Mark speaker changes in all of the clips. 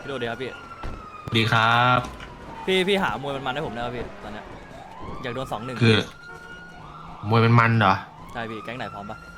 Speaker 1: พี่โดดีครับพี่
Speaker 2: ดีครับ
Speaker 1: พี่หามวยมันๆให้ผมนะครับพี่ตอนเนี้ยอยากโดน2-1
Speaker 2: คือมวยมันเหรอ
Speaker 1: ใช่พี่แก๊งไหนพร้อมปะ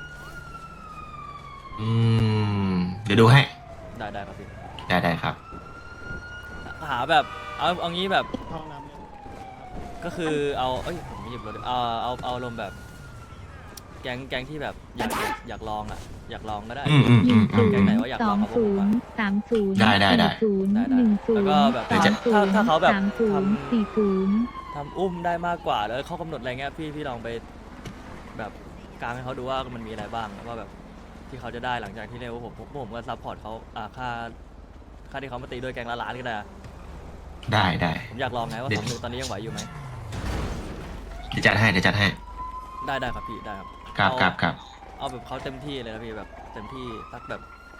Speaker 2: อืเดี๋ยวดูให้
Speaker 1: ได้ครับพี่
Speaker 2: ได้ครับ
Speaker 1: หาแบบเอางี้แบบ
Speaker 3: ห้องน้ำเลย
Speaker 1: ก็คือเอาเอ้ยผมไม่หยิบรถดิเอาลมณ์แบบแก๊งที่แบบอยากลองอ่ะอยากลองก็ได้
Speaker 2: อืม
Speaker 1: แก๊งไหนว่าอยากลองกับพวกผมอะ
Speaker 2: ได้
Speaker 1: แล้วก็แบบถ้าเขาแบบทำอุ้มได้มากกว่าแล้วเขากำหนดอะไรเงี้ยพี่ลองไปแบบกลางให้เขาดูว่ามันมีอะไรบ้างว่าแบบที่เขาจะได้หลังจากที่เรียกว่าผมก็ซัพพอร์ตเขาค่าที่เขามาตีด้วยแกงละล้านก็ได้อะ
Speaker 2: ได้
Speaker 1: ผมอยากลองไงว่า
Speaker 2: เดี๋ยว
Speaker 1: 2-1ตอนนี้ยังไหวอยู่ไหม
Speaker 2: เดี๋ยวจัดให้
Speaker 1: ได้ครับพี่ได้ครับ
Speaker 2: ครับ
Speaker 1: เอาแบบเขาเต็มที่เลยนะพี่แบบเต็มที่สักแบบ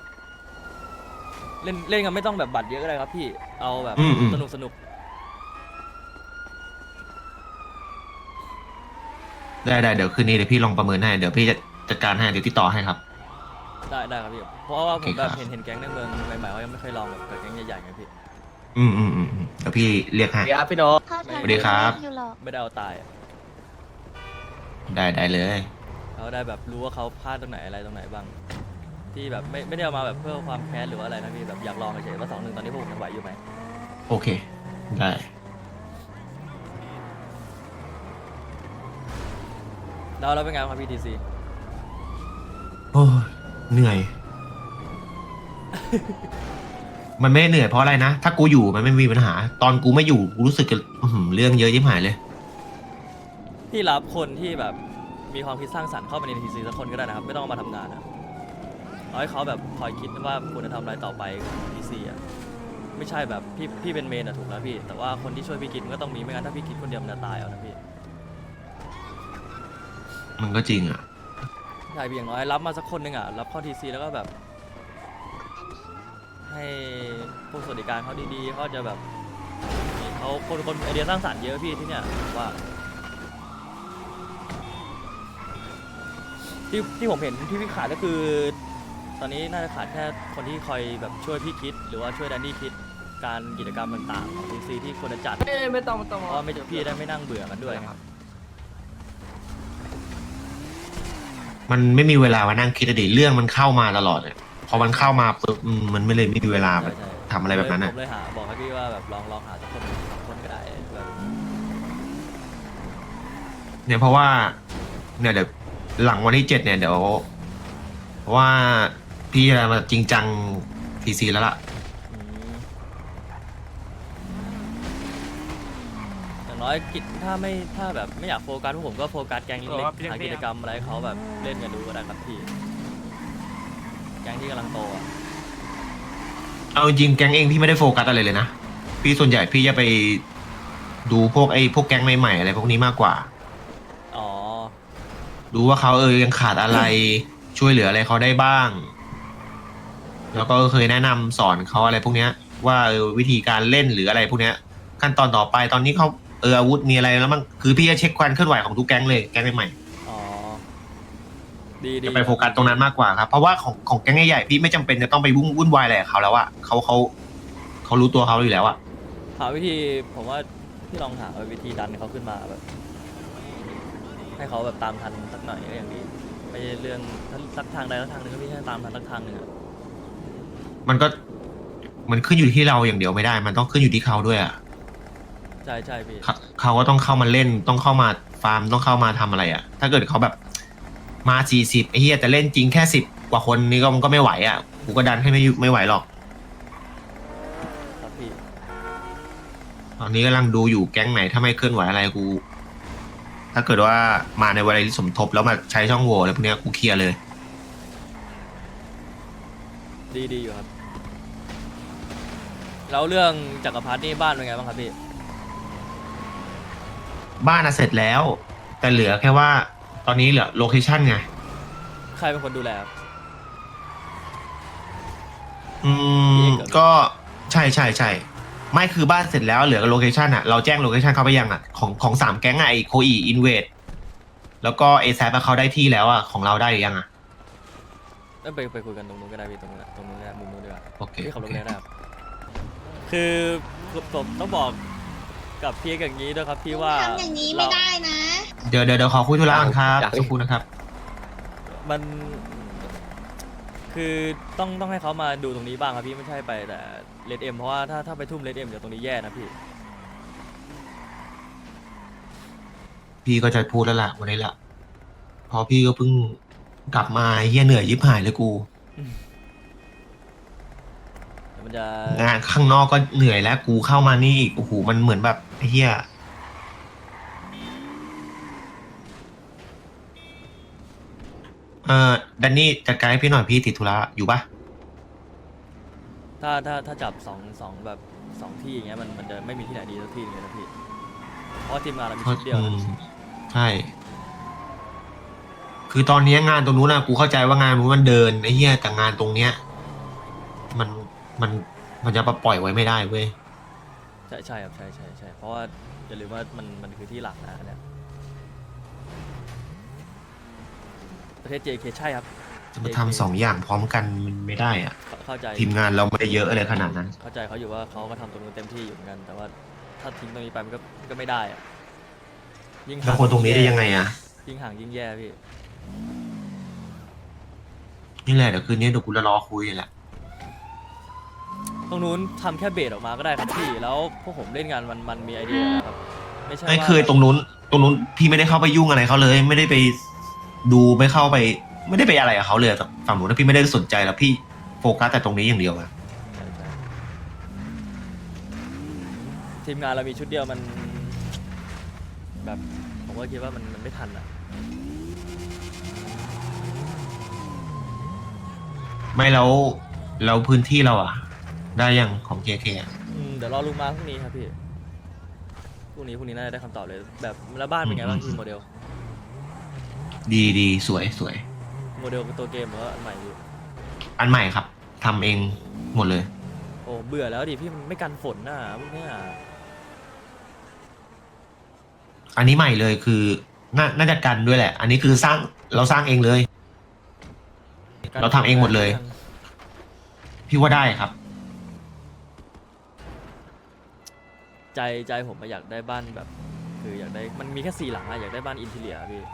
Speaker 1: เล่นกันไม่ต้องแบบบัตรเยอะก็ได้ครับพี่เอาแบบสนุก
Speaker 2: ได้เดี๋ยวคืนนี้เดี๋ยวพี่ลองประเมินให้เดี๋ยวพี่จะจัดการให้เดี๋ยวติดต่อให้ครับ
Speaker 1: ได้ครับพี่เพราะว่า
Speaker 2: โอเค
Speaker 1: ผมแบบ
Speaker 2: ครับ
Speaker 1: เห็นแก๊งในเมืองใหม่ๆเขายังไม่เคยลองแบบกับแก๊งใหญ่ๆไงพี่
Speaker 2: เดี๋ยวพี่เรียกให้
Speaker 4: เดี๋ยวพี่โน
Speaker 2: สวัสดีครับ
Speaker 1: ไม่ได้เอาตายอะ
Speaker 2: ได้เลย
Speaker 1: เขาได้แบบรู้ว่าเขาพลาดตรงไหนอะไรตรงไหนบ้างที่แบบไม่ได้เอามาแบบเพื่อความแค้นหรือว่าอะไรนะพี่แบบอยากลองเฉยๆว่า2-1ตอนนี้พวกผมยังไหวอยู่ไหม
Speaker 2: โอเคได้
Speaker 1: แล้วเป็นไงครับพี่ทีซี
Speaker 2: โอ้ยเหนื่อย มันไม่เหนื่อยเพราะอะไรนะถ้ากูอยู่มันไม่มีปัญหา ตอนกูไม่อยู่กูรู้สึกจะเรื่องเยอะยิ่หายเลย
Speaker 1: พี่รับคนที่แบบมีความคิดสร้างสรรค์เข้ามาในทีซีสักคนก็ได้นะครับไม่ต้องเอามาทำงานนะเอาให้เขาแบบคอยคิดว่าควรจะทำอะไรต่อไปกับทีซีอ่ะไม่ใช่แบบพี่เป็นเมนอะถูกแล้วพี่แต่ว่าคนที่ช่วยพี่คิดมันก็ต้องมีไม่งั้นถ้าพี่คิดคนเดียวมันจะตายเอานะพี่
Speaker 2: มันก็จริงอ่ะ
Speaker 1: ใช่พี่อย่างน้อยรับมาสักคนหนึ่งอ่ะรับเข้าทีซีแล้วก็แบบ ให้พวกสวัสดิการเขาดีๆเขาจะแบบเขาคนไอเดียสร้างสรรค์เยอะพี่ที่เนี่ยผมว่าที่ผมเห็นที่พี่ขาดก็คือ ตอนนี้น่าจะขาดแค่คนที่คอยแบบช่วยพี่คิดหรือว่าช่วยแดนนี่คิดการกิจกรรมต่างๆของทีซีที่ควรจะจัด
Speaker 4: ไม่ต้อง
Speaker 1: เพราะไม่พี่ได้ไม่นั่งเบื่อมันด้วยครับ
Speaker 2: มันไม่มีเวลามานั่งคิดอดีตเรื่องมันเข้ามาตลอดเลยพอมันเข้ามาปุ๊บมันไม่เลยไม่มีเวลาแบบทำอะไรแบบนั้น
Speaker 1: ผ
Speaker 2: อ่ะ
Speaker 1: มเลยหาบอกให้พี่ว่าแบบลองหาสักคน2 คนก็ได้แบบ
Speaker 2: เนี่ยเพราะว่าเนี่ยเดี๋ยวหลังวันที่7เนี่ยเดี๋ยวเพราะว่าพี่จะมาจริงจังทีซีแล้วล่ะ
Speaker 1: อืมอย่างน้อยกิจถ้าแบบไม่อยากโฟกัสพวกผมก็โฟกัสแก๊งเล็กๆหากิจกรรมอะไรให้เขาแบบเล่นกันดูก็ได้ครับพี่แก๊งที่กำลังโตอ่ะ
Speaker 2: เอาจริงแก๊งเองพี่ไม่ได้โฟกัสอะไรเลยนะพี่ส่วนใหญ่พี่จะไปดูพวกพวกแก๊งใหม่ๆอะไรพวกนี้มากกว่า
Speaker 1: อ๋อ
Speaker 2: ดูว่าเขายังขาดอะไร ช่วยเหลืออะไรเขาได้บ้าง แล้วก็เคยแนะนำสอนเขาอะไรพวกเนี้ยว่าวิธีการเล่นหรืออะไรพวกเนี้ยขั้นตอนต่อไปตอนนี้เขาอาวุธมีอะไรแล้วมั้งคือพี่จะเช็คความเคลื่อนไหวของทุกแก๊งเลยแก๊งใหม่
Speaker 1: อ๋อดี
Speaker 2: ๆจะไปโฟกัสตรงนั้นมากกว่าครับเพราะว่าของแก๊งใหญ่ๆพี่ไม่จำเป็นจะต้องไปวุ่นวายอะไรกับเขาแล้วอะเขารู้ตัวเขาอยู่แล้วอะ
Speaker 1: หาวิธีผมว่าพี่ลองหาวิธีดันเขาขึ้นมาแบบให้เขาแบบตามทันสักหน่อยก็อย่างดีไม่ใช่เรื่องสักทางใดสักทางหนึ่งก็พี่ให้ตามทันสักทางหนึ่งอะ
Speaker 2: มันขึ้นอยู่ที่เราอย่างเดียวไม่ได้ มันต้องขึ้นอยู่ที่เขาด้วยอ่ะ
Speaker 1: ใช่พี่
Speaker 2: เขาก็ต้องเข้ามาเล่น ต้องเข้ามาฟาร์ม ต้องเข้ามาทำอะไรอ่ะ ถ้าเกิดเขาแบบมา40ไอ้เหี้ยแต่เล่นจริงแค่10 กว่าคนนี่ก็มันก็ไม่ไหวอ่ะกูก็ดันให้ไม่ไหวหรอก
Speaker 1: ครับพี่
Speaker 2: ตอนนี้กำลังดูอยู่แก๊งไหนถ้าไม่เคลื่อนไหวอะไรกู ถ้าเกิดว่ามาในเวลาที่สมทบแล้วมาใช้ช่องโหว่อะไรพวกเนี้ยกูเคลียร์เลย
Speaker 1: ดีอยู่ครับแล้วเรื่องจักรพรรดินี่บ้านเป็นไงบ้างครับพี่
Speaker 2: บ้านอะเสร็จแล้ว แต่เหลือแค่ว่า ตอนนี้เหลือโลเคชั่นไง
Speaker 1: ใครเป็นคนดูแลครับ
Speaker 2: อืมก็ใช่ไม่คือบ้านเสร็จแล้วเหลือโลเคชันอ่ะเราแจ้งโลเคชันเขาไปยังอ่ะของ3 แก๊งอ่ะไอโคอีอินเวดแล้วก็เอแซเขาได้ที่แล้วอ่ะของเราได้หรือยังอ่ะ
Speaker 1: ไปคุยกันตรงนู้นก็ได้พี่ตรงนู้นก็ได้มุมนู้นดีกว่า
Speaker 2: โอเค
Speaker 1: พี่ขับรถไปได้ครับคือผมต้องบอกกับพี่อย่างนี้ด้วยครับพี่ว่า
Speaker 3: ทำอย่างนี้ไม่ได้นะ
Speaker 2: เดี๋ยวขอคุยธุระก่อนครับสักครู่นะครับ
Speaker 1: มันคือต้องให้เขามาดูตรงนี้บ้างครับพี่ไม่ใช่ไปแต่เลดเอ็มเพราะว่าถ้าไปทุ่มเลดเอ็มเดี๋ยวตรงนี้แย่นะพี่
Speaker 2: พี่ก็จะพูดแล้วล่ะวันนี้ละเพอพี่ก็เพิ่งกลับมาเฮียเหนื่อยยิบหายเลยกู
Speaker 1: เดี๋ยวมันจะ
Speaker 2: งานข้างนอกก็เหนื่อยแล้วกูเข้ามานี่อีกโอ้โหมันเหมือนแบบไอ้เฮียดันนี่จัดการให้พี่หน่อยพี่ติดธุระอยู่ปะ
Speaker 1: ถ้าจับสองแบบสองที่อย่างเงี้ยมันจะไม่มีที่ไหนดีสักที่หนึงเลยนะพี่เพราะว่าทีมงานเรามีชุดเดียวนะ
Speaker 2: ใช่ คือตอนนี้งานตรงนู้นนะกูเข้าใจว่างานนู้นมันเดินไอ้เหี้ยแต่งานตรงเนี้ย มันมันมันจะปล่อยไว้ไม่ได้เว้ย
Speaker 1: ใช่ครับใช่เพราะว่าอย่าลืมว่ามันคือที่หลักนะอันเนี่ยประเทศ JK ใช่ครับ
Speaker 2: จะมาทำสองอย่างพร้อมกันมันไม่ได้อะ
Speaker 1: เข้าใจ
Speaker 2: ทีมงานเราไม่ได้เยอะอะไรขนาดนั้น
Speaker 1: เข้าใจเขาอยู่ว่าเขาก็ทำตรงนู้นเต็มที่อยู่เหมือนกัน แต่ว่าถ้าทิ้งตรงนี้ไปมันก็ไม่ได้อะยิ่ง
Speaker 2: แล้วคนตรงนี้ได้ยังไงอะ
Speaker 1: ยิ่งห่างยิ่งแย่พี่
Speaker 2: นี่แหละเดี๋ยวคืนนี้เดี๋ยวกูจะรอคุยแหละ
Speaker 1: ตรงนู้นทำแค่เบสออกมาก็ได้ครับพี่แล้วพวกผมเล่นงานมันมีไอเดียนะครับไม่ใช่
Speaker 2: ไม่
Speaker 1: ว่า
Speaker 2: เคยตรงนู้นพี่ไม่ได้เข้าไปยุ่งอะไรเขาเลย ไม่ได้ไปดูไม่เข้าไป ไม่ได้ไปอะไรกับเขาเลยแต่ฝั่งนู้นนะพี่ไม่ได้สนใจแล้วพี่โฟกัสแต่ตรงนี้อย่างเดียวอะ
Speaker 1: ใช่ทีมงานเรามีชุดเดียวมันแบบผมก็คิดว่ามันไม่ทันอ่ะ
Speaker 2: ไม่แล้วพื้นที่เราอะได้ยังของ KK อะ
Speaker 1: เดี๋ยวรอลุงมาพรุ่งนี้ครับพี่พรุ่งนี้น่าจะได้คำตอบเลยแบบแล้วบ้านเป็นไงบ้างพี่โมเดล
Speaker 2: ดีสวย
Speaker 1: โมเดลตัวเกมหรือว่าอันใหม่พี่
Speaker 2: อันใหม่ครับทำเองหมดเลย
Speaker 1: โอ้เบื่อแล้วดิพี่มันไม่กันฝนน่ะพวกเนี้ย
Speaker 2: อันนี้ใหม่เลยคือน่าจะกันด้วยแหละ อันนี้คือเราสร้างเองเลย เราทำเองหมดเลย พี่ว่าได้ครับ
Speaker 1: ใจผมอะอยากได้บ้านแบบ คืออยากได้มันมีแค่4 หลังอะอยากได้บ้านอินทีเรียพี่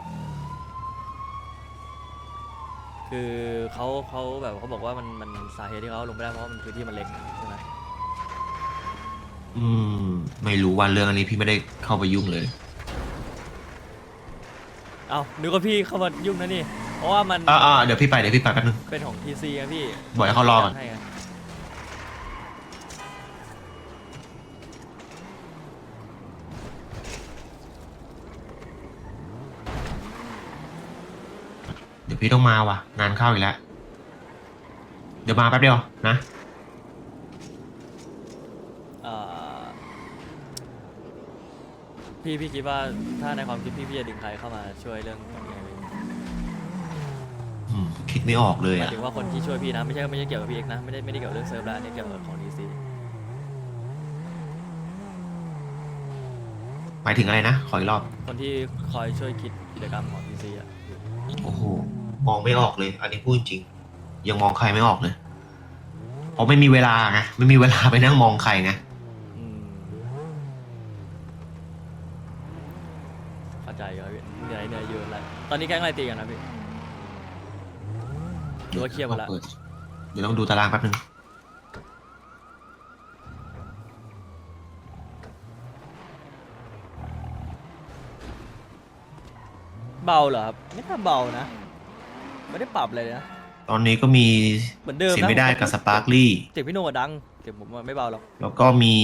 Speaker 1: คือเขาแบบเขาบอกว่ามันสาเหตุที่เขาลงไม่ได้เพราะว่ามันพื้นที่มันเล็กใช่ไหม
Speaker 2: อืม ไม่รู้ว่าเรื่องอันนี้พี่ไม่ได้เข้าไปยุ่งเลย
Speaker 1: เอานึกว่าพี่เข้ามายุ่งนะนี่ เพราะว่ามัน
Speaker 2: เดี๋ยวพี่ไปแป๊บนึง
Speaker 1: เป็นของ TC ครับพี่
Speaker 2: บอกให้เขารอก่อน
Speaker 1: ให้ไง
Speaker 2: เดี๋ยวพี่ต้องมาว่ะ งานเข้าอีกแล้ว เดี๋ยวมาแป๊บเดียวนะ
Speaker 1: เอ่อพี่คิดว่าถ้าในความคิดพี่จะดึงใครเข้ามาช่วยเรื่องแบบนี้ไหม
Speaker 2: คิดไม่ออกเลย
Speaker 1: หมาย
Speaker 2: อ่ะ
Speaker 1: ถึงว่าคนที่ช่วยพี่นะไม่ใช่เกี่ยวกับพี่เอกนะไม่ได้เกี่ยวกับเรื่องเซิร์ฟแล้วอันนี้เกี่ยวกับของ TC
Speaker 2: หมายถึงอะไรนะ ขออีกรอบ
Speaker 1: คนที่คอยช่วยคิดกิจกรรมของ TC อ่ะ
Speaker 2: โอ้โห มองไม่ออกเลย อันนี้พูดจริง ยังมองใครไม่ออกเลย เพราะไม่มีเวลาไง ไม่มีเวลาไปนั่งมองใครไง
Speaker 1: อืมเข้าใจครับพี่เหนื่อยอยู่อะไรตอนนี้แก๊งอะไรตีกันนะพี่หรือว่าเคลียร์หมดละ
Speaker 2: เดี๋ยวต้องดูตารางแป๊บนึง
Speaker 1: เบาเหรอครับไม่น่าเบานะไม่ได้ปรับเลยนะ
Speaker 2: ตอนนี้ก็มี
Speaker 1: เหมือนเดิมนะ
Speaker 2: เสียไม่ได้กับสปาร์คลี่
Speaker 1: เสียงพี่โน่ดังเสียงผมอะไม่เบาหรอก
Speaker 2: แล้วก็มี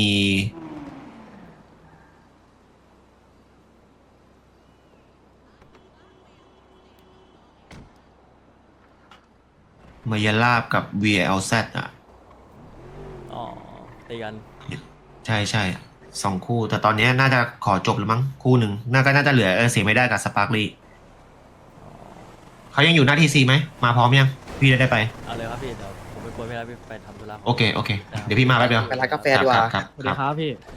Speaker 2: มายาลาบกับ VLZ อ่ะ
Speaker 1: อ๋อตีกัน
Speaker 2: ใช่สองคู่ แต่ตอนนี้น่าจะขอจบแล้วมั้งคู่หนึ่งน่าจะเหลือเสียไม่ได้กับสปาร์คลี่เขายังอยู่หน้าทีซีไหม มาพร้อมยัง พี่ได้ไป
Speaker 1: เอาเลยครับพี่เดี๋ยวผมไปคุยไม่ได้พี่ไปทำธุระ
Speaker 2: โอเค เดี๋ยวพี่มาแป๊บเดียว
Speaker 4: ไปร้านกาแฟดีกว่า
Speaker 2: ครับ
Speaker 5: สวัสดีครับพี่